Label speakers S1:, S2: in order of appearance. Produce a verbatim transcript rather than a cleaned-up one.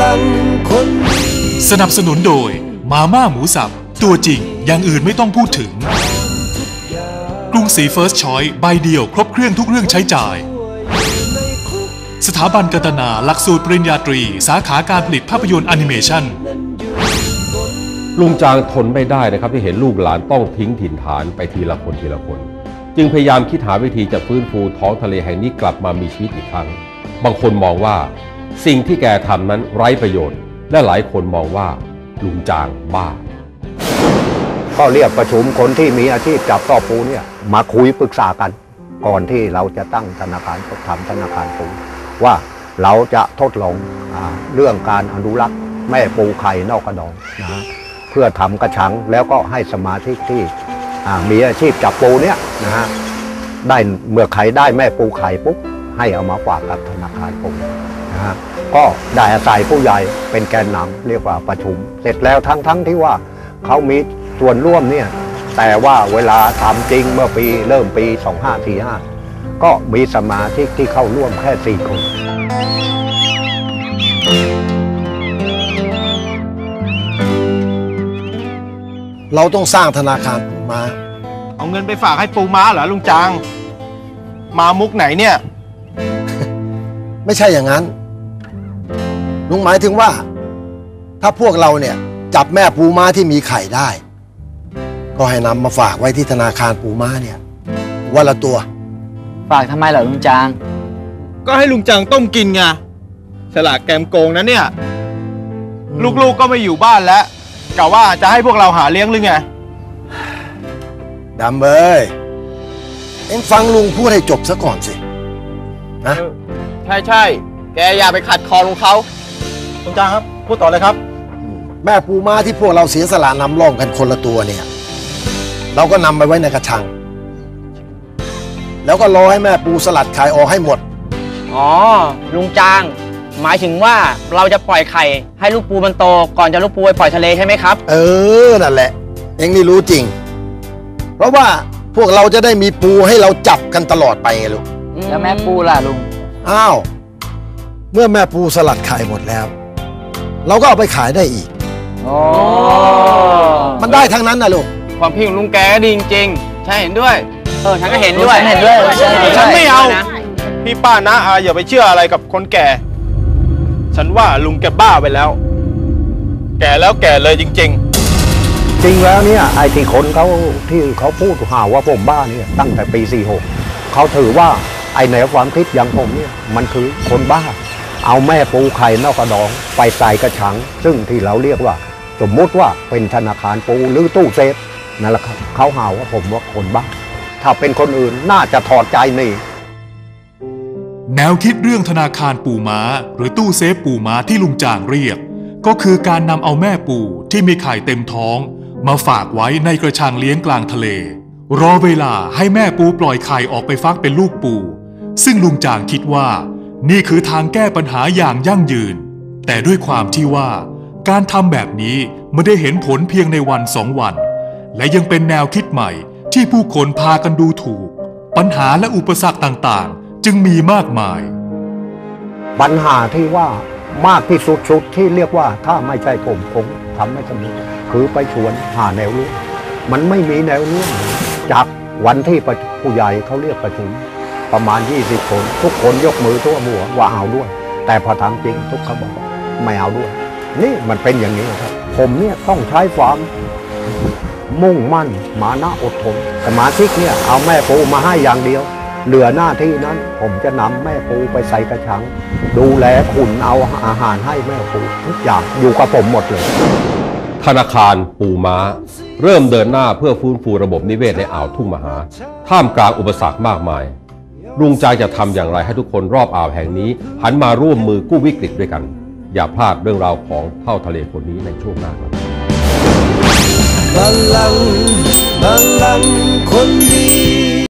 S1: ลังคนสนับสนุนโดยมาม่าหมูสับตัวจริงอย่างอื่นไม่ต้องพูดถึงกรุงศรีเฟิร์สชอยส์ใบเดียวครบเครื่องทุกเรื่องใช้จ่ายสถาบันกัตนาหลักสูตรปริญญาตรีสาขาการผลิตภาพยนตร์แอนิเมชัน
S2: ลุงจางทนไม่ได้นะครับที่เห็นลูกหลานต้องทิ้งถิ่นฐานไปทีละคนทีละคนจึงพยายามคิดหาวิธีจะฟื้นฟูท้องทะเลแห่งนี้กลับมามีชีวิตอีกครั้งบางคนมองว่าสิ่งที่แกทำนั้นไร้ประโยชน์และหลายคนมองว่าลุงจางบ้า
S3: ก็เรียกประชุมคนที่มีอาชีพจับต่อปูเนี่ยมาคุยปรึกษากันก่อนที่เราจะตั้งธนาคารทำธนาคารปูว่าเราจะทดลองเรื่องการอนุรักษ์แม่ปูไข่นอกกระดองนะเพื่อทำกระชังแล้วก็ให้สมาชิกที่มีอาชีพจับปูเนี่ยนะฮะได้เมื่อไข่ได้แม่ปูไข่ปุ๊บให้เอามาฝากกับธนาคารปูนะฮะก็ได้อาศัยผู้ใหญ่เป็นแกนนำเรียกว่าประชุมเสร็จแล้วทั้งทั้งที่ว่าเขามีส่วนร่วมเนี่ยแต่ว่าเวลาทำจริงเมื่อปีเริ่มปีสองห้าสี่ห้าก็มีสมาชิกที่เข้าร่วมแค่สี่คน
S4: เราต้องสร้างธนาคารปูม้า
S5: เอาเงินไปฝากให้ปูม้าเหรอลุงจางมามุกไหนเนี่ย
S4: ไม่ใช่อย่างนั้นลุงหมายถึงว่าถ้าพวกเราเนี่ยจับแม่ปูม้าที่มีไข่ได้ก็ให้นำมาฝากไว้ที่ธนาคารปูม้าเนี่ยวันละตัว
S6: ฝากทำไมเหรอลุงจาง
S5: ก็ให้ลุงจางต้มกินไงฉลาดแกมโกงนะเนี่ยลูกๆก็ไม่อยู่บ้านแล้วกะว่าจะให้พวกเราหาเลี้ยงหรือไง
S4: ดำเอ้ยเอ็งฟังลุงพูดให้จบซะก่อนสินะ
S5: ใช่ใช่แกอย่าไปขัดคอลุงเขาลุงจางครับพูดต่อเลยครับ
S4: แม่ปูม้าที่พวกเราเสียสละนำร่องกันคนละตัวเนี่ยเราก็นำไปไว้ในกระชังแล้วก็รอให้แม่ปูสลัดไข่ออกให้หมด
S6: อ๋อลุงจางหมายถึงว่าเราจะปล่อยไข่ให้ลูกปูมันโตก่อนจะลูกปูไปปล่อยทะเลใช่ไหมครับ
S4: เออนั่นแหละเอ็งนี่รู้จริงเพราะว่าพวกเราจะได้มีปูให้เราจับกันตลอดไปไงลูก
S6: แล้วแม่ปูล่ะลุง
S4: อ้าวเมื่อแม่ปูสลัดไข่หมดแล้วเราก็เอาไปขายได้อีก
S6: อ๋อ
S4: มันได้ทั้งนั้นนะลูก
S5: ความพี่ของลุงแกดีจริงๆใช่เห็นด้วย
S6: เออฉันก็เห็นด้วยเห็นด้วย
S5: ฉันไม่เอาพี่ป้านะอาอย่าไปเชื่ออะไรกับคนแก่ฉันว่าลุงแกบ้าไปแล้วแก่แล้วแก่เลยจริงๆ
S3: จริงแล้วเนี่ยไอ้ที่คนเขาที่เขาพูดหาว่าผมบ้าเนี่ยตั้งแต่ปีสี่หกเขาถือว่าไอ้แนวความคิดอย่างผมเนี่ยมันคือคนบ้าเอาแม่ปูไข่นอกกระดองไปใส่กระชังซึ่งที่เราเรียกว่าสมมติว่าเป็นธนาคารปูหรือตู้เซฟนั่นแหละครับเขาหาว่าผมว่าคนบ้าถ้าเป็นคนอื่นน่าจะถอดใจนี่
S1: แนวคิดเรื่องธนาคารปูม้าหรือตู้เซฟปูม้าที่ลุงจางเรียกก็คือการนำเอาแม่ปูที่มีไข่เต็มท้องมาฝากไว้ในกระชังเลี้ยงกลางทะเลรอเวลาให้แม่ปูปล่อยไข่ออกไปฟักเป็นลูกปูซึ่งลุงจางคิดว่านี่คือทางแก้ปัญหาอย่างยั่งยืนแต่ด้วยความที่ว่าการทำแบบนี้ไม่ได้เห็นผลเพียงในวันสองวันและยังเป็นแนวคิดใหม่ที่ผู้คนพากันดูถูกปัญหาและอุปสรรคต่างๆจึงมีมากมาย
S3: ปัญหาที่ว่ามากที่สุดชุดที่เรียกว่าถ้าไม่ใช่ผมคงทำไม่สำเร็จคือไปชวนหาแนวร่วมมันไม่มีแนวร่วมจากวันที่ผู้ใหญ่เขาเรียกประชุมประมาณยี่สิบคนทุกคนยกมือทั่วหัวว่าเอาด้วยแต่พอทำจริงทุกเขาบอกไม่เอาด้วยนี่มันเป็นอย่างนี้ครับผมเนี่ยต้องใช้ความมุ่งมั่นมานะอดทนสมาชิกเนี่ยเอาแม่ปูมาให้อย่างเดียวเหลือหน้าที่นั้นผมจะนำแม่ปูไปใส่กระชังดูแลขุนเอาอาหารให้แม่ปูทุกอย่างอยู่กับผมหมดเลย
S2: ธนาคารปูม้าเริ่มเดินหน้าเพื่อฟื้นฟูระบบนิเวศในอ่าวทุ่งมหาท่ามกลางอุปสรรคมากมายลุงจางจะทำอย่างไรให้ทุกคนรอบอ่าวแห่งนี้หันมาร่วมมือกู้วิกฤตด้วยกันอย่าพลาดเรื่องราวของเท่าทะเลคนนี้ในช่วงหน้าครับ
S1: พลังพลังคนดี